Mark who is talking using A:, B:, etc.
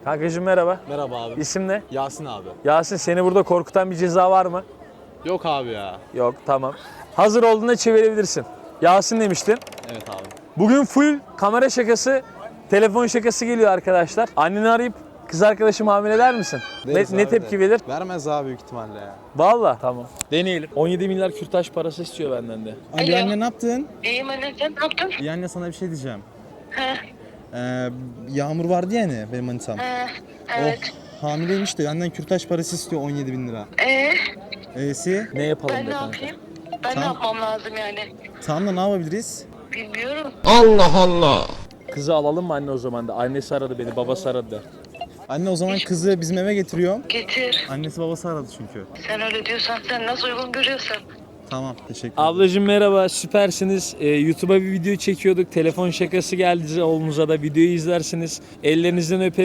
A: Kankacığım merhaba.
B: Merhaba abi.
A: İsim ne?
B: Yasin abi.
A: Yasin, seni burada korkutan bir ceza var mı?
B: Yok abi ya.
A: Yok, tamam. Hazır olduğunda çevirebilirsin. Yasin demiştin.
B: Evet abi.
A: Bugün full kamera şakası, telefon şakası geliyor arkadaşlar. Anneni arayıp kız arkadaşımı hamile der misin?
B: Deriz
A: Ne
B: abi
A: tepki
B: de.
A: verir?
B: Vermez abi büyük ihtimalle ya.
A: Vallahi. Tamam. Deneyelim. 17 milyar kürtaj parası istiyor benden de.
C: Alo anne, ne yaptın?
D: İyiyim anne, sen ne yaptın?
C: İyi anne, sana bir şey diyeceğim.
D: He,
C: Yağmur vardı ya hani benim manitam.
D: evet.
C: Hamileymiş de benden kürtaj parası istiyor 17 bin lira. E'si?
A: Ne yapalım
D: Ben
A: be
D: ne
A: kanka?
D: yapayım? Ben ne
C: Tamam.
D: yapmam lazım yani?
C: Tamam da ne yapabiliriz?
D: Bilmiyorum.
A: Kızı alalım mı anne o zaman da? Annesi aradı beni, babası aradı da.
C: Anne o zaman kızı bizim eve getiriyorum.
D: Getir.
C: Annesi babası aradı çünkü.
D: Sen öyle diyorsan, sen nasıl uygun görüyorsan.
C: Tamam, teşekkür ederim.
A: Ablacığım merhaba, süpersiniz. YouTube'a bir video çekiyorduk. Telefon şakası geldi oğlunuza da. Videoyu izlersiniz. Ellerinizden öperim.